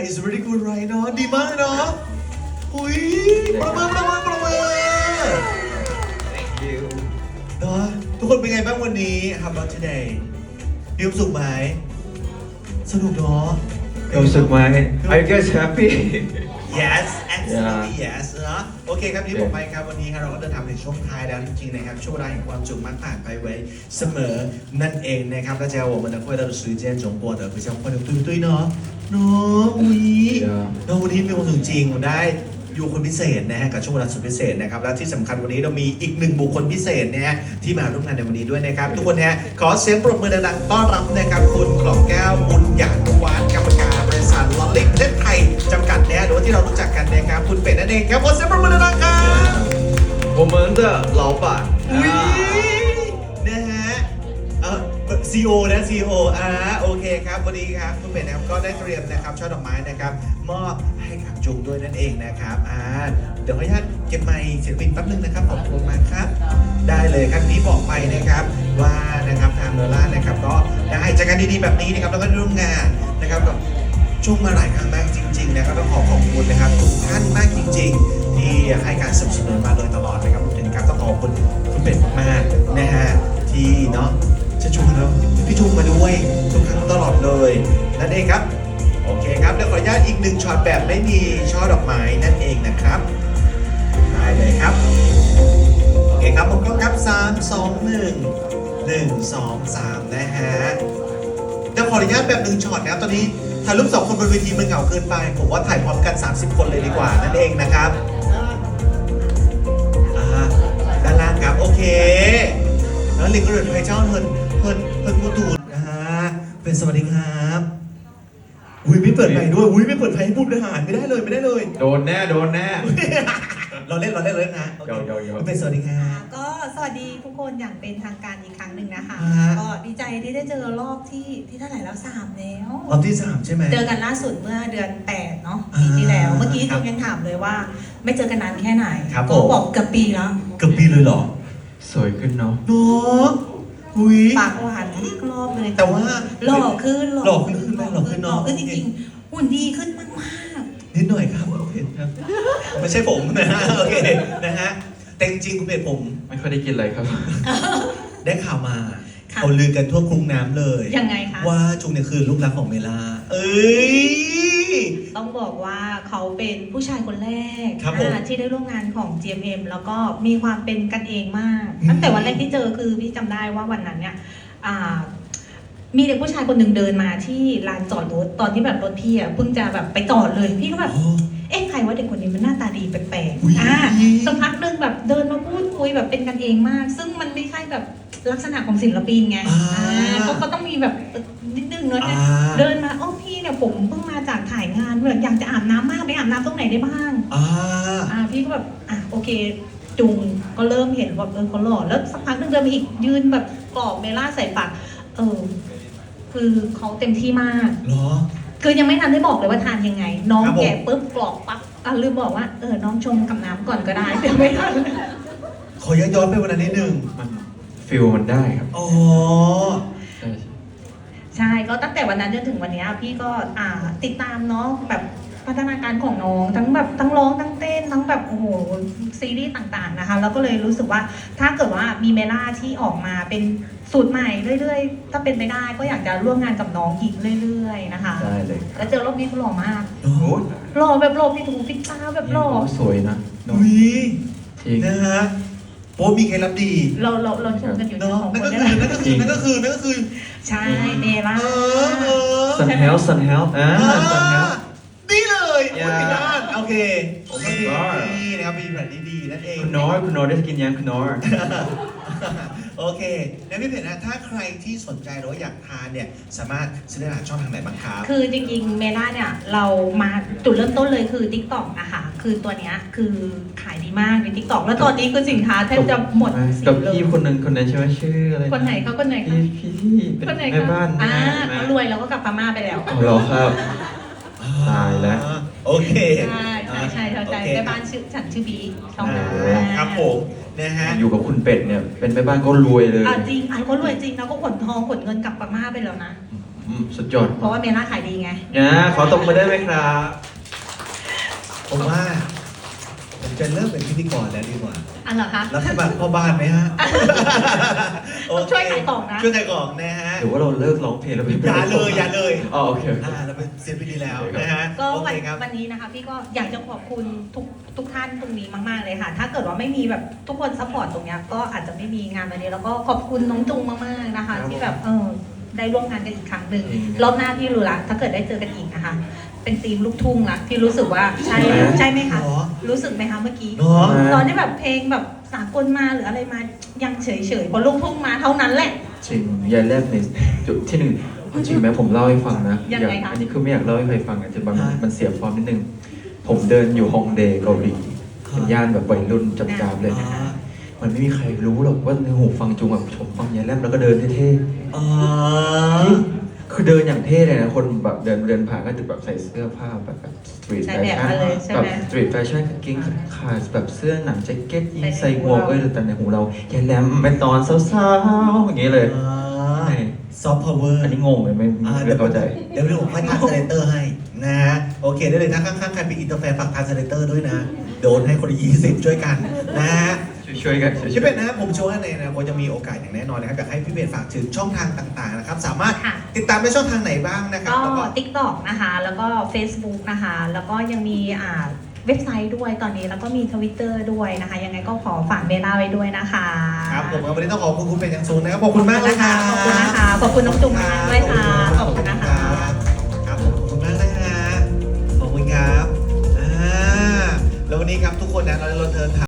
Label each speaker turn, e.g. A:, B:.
A: is very good right เนาะดีมากเนาะอุ้ยประเมินเนาะทุกคนเป็นไงบ้างวันนี้ How about today มีความสุขไหมสนุกเนาะ
B: รู้สึกไหม Are you guys happy
A: Yes absolutely yes นะโอเคครับที่ผมไปครับวันนี้ครับเราก็เดินทางในช่วงท้ายแล้วจริงๆนะครับช่วงเวลาแห่งความสุขมักผ่านไปไว้เสมอนั่นเองนะครับ大家我们的快乐的时间总过得非常快乐对不对เนาะเนาะอุ้ยเนาะวันนี้มีความสุขจริงได้อยู่คนพิเศษนะฮะกับช่วงเวลาสุดพิเศษนะครับและที่สำคัญวันนี้เรามีอีกหนึ่งบุคคลพิเศษนะฮะที่มาร่วมงานในวันนี้ด้วยนะครับทุกคนฮะขอเสียงปรบมือดังๆต้อนรับนะครับคุณกล่อมแก้วบุญหยาดวานกรรมการบริษัทลอตเล็กประเทศไทยจำกัดนะฮะหรือว่าที่เรารู้จักกันนะครับคุณเป็ดนั่นเองครับขอเสียงปรบมือดังๆครับ
B: 我们的老板
A: อุ้ยนะฮะCEO นะ CEO โอเคครับวันนี้ครับคุณเป็ดนะครับก็ได้เตรียมนะครับช่อดอกไม้นะครับมอบให้กับจุงด้วยนั่นเองนะครับเดี๋ยวขออนุญาตเก็บไมค์ศิลปินแป๊บนึงนะครับขอบคุณมากครับได้เลยครับที่บอกไปนะครับว่านะครับทางเนล่านะครับก็ได้จัดการดีๆแบบนี้นะครับแล้วก็ร่วมงานนะครับกับช่วงมาหลายครั้งมากจริงๆนะครับต้องขอบคุณนะครับทุกท่านมากจริงๆที่ให้การสนับสนุนมาโดยตลอดนะครับถึงการต้องขอบคุณคุณเป็ดมากๆนะฮะที่เนาะจะชวนเราพี่จุงมาด้วยทุกครั้งตลอดเลยนั่นเองครับโอเคครับเดี๋ยวขออนุญาตอีกหนึ่งช็อตแบบไม่มีช่อดอกไม้นั่นเองนะครับได้เลยครับโอเคครับผมก็ครับ3 2 1 1 2 3นะฮะเดี๋ยวขออนุญาตแบบหนึ่งช็อตนะครับตอนนี้ถ่ายรูป2คนบนเวทีมันเหงาเกินไปผมว่าถ่ายพร้อมกัน30คนเลยดีกว่านั่นเองนะครับด้านล่างครับโอเคแล้วลิงก็เดินไปเจ้าเฮินมูตูนเป็นสวัสดีครับอุ้ยไม่เปิดไฟด้วยอุ้ยไม่เปิดไฟให้พูดทหารไม่ได้เลย
B: โดนแน่
A: เราเล่นเลยนะโอเคเป็นสวัสดีครับ
C: ก็สวัสดีทุกคนอย่างเป็นทางการอีกครั้งหนึ่งนะคะก็ดีใจที่ได้เจอรอบที่เท่าไหร่แล้ว3แล้ว
A: รอบที่3ใช่ไหม
C: เจอกันล่าสุดเมื่อเดือน8เนาะปีที่แล้วเมื่อกี้จุ๊ยังถามเลยว่าไม่เจอกันนานแค่ไหนก็บอกเกือบปีแล้ว
A: เกือบปีเลยเหรอ
B: สวยขึ้นเนาะ
A: อุ้ย
C: ปากหวานทุกรอบเลย
A: แต่ว่า
C: หล่อขึ้น
A: เนาะ
C: จริงๆหุ่นดีขึ้นมาก
A: นิดหน่อยครับโอเคครับไม่ใช่ผมนะฮะโอเคนะฮะแต่จริงๆคุณเป็ดผม
B: ไม่ค่อยได้กินอะไรครับ
A: ได้ข่าวมาเขาลือกันทั่วกรุงน้ำเลย
C: ยังไงคะ
A: ว่าจุงเนี่ยคือลูกรักของเมล่า
C: ต้องบอกว่าเขาเป็นผู้ชายคนแรกที่ได้ร่วมงานของ GMM แล้วก็มีความเป็นกันเองมากตั้งแต่วันแรกที่เจอคือพี่จำได้ว่าวันนั้นเนี่ยมีเด็กผู้ชายคนหนึ่งเดินมาที่ลานจอดรถตอนที่แบบรถพี่เพิ่งจะแบบไปจอดเลยพี่ก็แบบเอ๊ะใครว่าเด็กคนนี้มันหน้าตาดีแปลกๆสักพักนึงแบบเดินมาพูดคุยแบบเป็นกันเองมากซึ่งมันไม่ใช่แบบลักษณะของศิลปินไงเขาต้องมีแบบนิดนึงเนอะเดินมาพี่เนี่ยผมเพิ่งมาจากถ่ายงานแบบอยากจะอาบน้ำมากไปอาบน้ำตรงไหนได้บ้างพี่ก็แบบโอเคจุงก็เริ่มเห็นว่าเขาหล่อแล้วสักพักนึงเดินมาอีกยืนแบบกรอบเมล่าใส่ปากคือเขาเต็มที่มาก
A: เหรอ
C: คือยังไม่ทันได้บอกเลยว่าทานยังไงน้องแกะปุ๊บกรอกปั๊บลืมบอกว่าน้องชงกับน้ำก่อนก็ได้เดี๋ยวไม่ทัน
A: ขอย้อนไปวันนั้นนิดนึง
B: มันฟิลมันได้ครับ
C: ใช่ก็ตั้งแต่วันนั้นจนถึงวันนี้พี่ก็ติดตามน้องแบบพัฒนาการของน้องทั้งแบบทั้งร้องทั้งเต้นทั้งแบบโอ้โหซีรีส์ต่างๆนะคะแล้วก็เลยรู้สึกว่าถ้าเกิดว่ามีเมล่าที่ออกมาเป็นสูตรใหม่เรื่อยๆถ้าเป็นไปได้ก็อยากจะร่วมงานกับน้องอีกเรื่อยๆนะคะ
B: ได้เลย
C: แล้วเจอรอบนี้เขาหล่อมากหล่อแบบหล่อพี่ถูฟิตตาแบบหล่อ
B: สวยนะ
A: นะฮะโป๊มีเคล็ดลับดี
C: เราชมกันอยู่2 คน
A: นั่นก็คือ
C: ใช่เมล่า
B: ซันเฮลซันเฮล
A: นี่เลยพี่ด้านโอเคนี่นะครับมีแบบดีๆนั่นเอง
B: คุณน้อยได้กินยังคุณน้อย
A: โอเคแล้วพี่เพชรนะถ้าใครที่สนใจหรือว่าอยากทานเนี่ยสามารถซื้อได้ช่องทางไหนบ้างครับ
C: คือจริงๆเมล่าเนี่ยเรามาจุดเริ่มต้นเลยคือ TikTok นะคะคือตัวเนี้ยคือขายดีมากใน TikTok แล้วตอนนี้คือสินค้าแทบจะหมด
B: กับพี่คนนั้นใช่ไหมชื่ออะไร
C: คนไหนเขาคนไหน
B: พี่เป็นแม่บ้าน
C: เขารวยแล้วก็กลับพม่าไปแล้ว
B: หรอครับตายแล้ว
A: โอเค
C: ใช่แม่บ้านฉันชื่อบีช่องนั้น
A: ครับผมนะฮะ
B: อยู่กับคุณเป็ดเนี่ยเป็นแม่บ้านก็รวยเลย
C: จริงเขารวยจริงแล้วก็ขนทองขนเงินกลับพม่าไปแล้วนะ
B: สุดยอด
C: เพราะว่าเมล่าขายดีไง
B: นะขอตบมือได้ไหมครับ
A: ผมว่า ผมจะเริ่มเป็นพิธีกรแล้วดีกว่า
C: อันเหรอคะ
A: รับสมัครพ่อบ้านไหมฮะโอเค
C: ช่วยขายของนะ
A: ช่วยขายของนะฮะ
B: หรือว่าเราเลิกร้องเพลงแล้วไป
A: อย่าเลยอย่าเลย
B: อ๋อโอเค
A: เราเป็นเซียนพิธีแล้วนะฮะ
C: ก็
A: โอ
C: วั
A: เคน ครับ
C: วันนี้นะคะพี่ก็อยากจะขอบคุณทุกท่านตรงนี้มากๆเลยค่ะ ถ้าเกิดว่าไม่มีแบบทุกคนซัพพอร์ตตรงเนี้ยก็อาจจะไม่มีงานวันนี้แล้วก็ขอบคุณน้องจุงมากๆนะคะ ที่แบบได้ร่วมงานกันอีกครั้งหนึ่งรอบหน้าพี่รู้ละถ้าเกิดได้เจอกันอีกนะคะ เป็นธีมลูกทุ่งละพี่รู้สึกว่าใช่ไหมคะ
A: หรอ
C: รู้สึกไหมคะเมื่อกี้
A: เนาะ
C: ตอนที่แบบเพลงแบบสากลมาหรืออะไรมายังเฉยๆพอลูกทุ่งมาเท่านั้นแหละ
B: จริงยายแรกในจุดที่หนึ่งจริงไหมผมเล่าให้ฟังนะ
C: ยังไงคะ
B: อันนี้คือไม่อยากเล่าให้ใครฟังอ่ะจะมันเสียฟอร์มนิดนึง ผมเดินอยู่ฮองเดเกาหลีเป็นย่านแบบวัยรุ่นจับๆเลย
A: อ่า
B: มันไม่มีใครรู้หรอกว่าในหูฟังจุงแบบผมฟังยายแรมแล้วก็เดินเท่
A: อ๋อ
B: ๆคือเดินอย่างเท่เลยนะคนแบบเดินผ่านก็จะแบบใส่เสื้อผ้าแบบสตรีท
C: ใส่
B: แฟ
C: แบบ
B: ชั่น
C: มาเลยใช่
B: แบบ
C: ไหม
B: สตรีทแฟชั่นกางเกงขาดแบบเสื้อหนังแจ็คเก็ตยีน
C: ใส่
B: ใส่
C: ใน
B: ห
C: หู
B: มวก
C: เรา
B: แต่ในหูเรายายแรมเป็นตอนสาวๆอย่างนี้เลย
A: ซอฟต์พาวเวอร์
B: อันนี้งงเลยไม่เข้าใจ
A: เดี๋ยวผมค่อยทานสเลเตอร์ให้นะโอเคได้เลยถ้าข้างๆใครเป็นอินเตอร์แฟนฝากทานสเลเตอร์ด้วยนะ โดนให้คนละ20ช่วยกันนะ
B: ช่วยกัน
A: พี่เป็ดนะครับผมเชื่อว่าในอนาคตจะมีโอกาสอย่างแน่นอนนะครับอยากให้พี่เป็ดฝากถึงช่องทางต่างๆนะครับสามารถ
C: ค่ะ
A: ติดตามได้ช่องทางไหนบ้างนะครับ
C: ก็
A: แล้วก็
C: TikTok นะคะ แล้วก็ Facebook นะคะ แล้วก็ยังมีเว็บไซต์ด้วยตอนนี้ แล้วก็มี Twitter ด้วยนะคะ ยังไงก็ขอฝากเบลล่าไว้ด้วยนะคะ
A: ครับผมวันนี้ต้องขอบคุณคุณเป็ดอย่างสูงนะครับขอบคุณมากเลยครับ
C: ขอบคุณนะคะ ขอบคุณน้องจุ๊มมากด้วยค่ะ ขอบคุณนะคะ
A: ครับผมขอบคุณมากนะฮะขอบคุณครับแล้ววันนี้ครับทุกคนนะเราเดินทาง